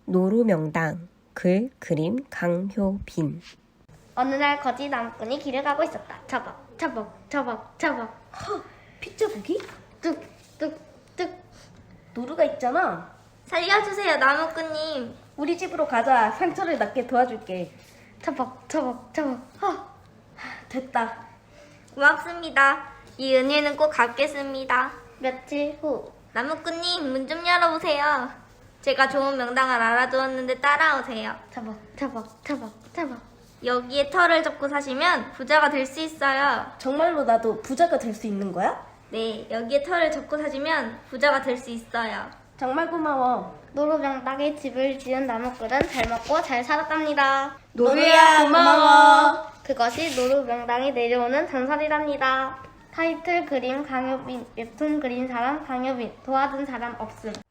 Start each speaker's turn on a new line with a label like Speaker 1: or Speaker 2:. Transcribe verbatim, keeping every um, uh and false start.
Speaker 1: 노루명당. 글, 그림, 강효빈.
Speaker 2: 어느 날 거지 나무꾼이 길을 가고 있었다. 처벅, 처벅, 처벅, 처벅.
Speaker 3: 허, 핏자국이?
Speaker 2: 뚝, 뚝, 뚝.
Speaker 3: 노루가 있잖아.
Speaker 2: 살려주세요, 나무꾼님.
Speaker 3: 우리 집으로 가자. 상처를 낫게 도와줄게.
Speaker 2: 처벅, 처벅, 처벅. 허.
Speaker 3: 됐다.
Speaker 2: 고맙습니다. 이 은혜는 꼭 갚겠습니다. 며칠 후. 나무꾼님, 문 좀 열어보세요. 제가 좋은 명당을 알아두었는데 따라오세요. 처벅, 처벅, 처벅, 처벅. 여기에 털을 접고 사시면 부자가 될 수 있어요.
Speaker 3: 정말로 나도 부자가 될 수 있는 거야?
Speaker 2: 네, 여기에 털을 접고 사시면 부자가 될 수 있어요.
Speaker 3: 정말 고마워.
Speaker 2: 노루명당에 집을 지은 나무꾼은 잘 먹고 잘 살았답니다.
Speaker 3: 노루야, 고마워.
Speaker 2: 그것이 노루명당에 내려오는 전설이랍니다. 타이틀 그림 강효빈, 웹툰 그린 사람 강효빈, 도와준 사람 없음.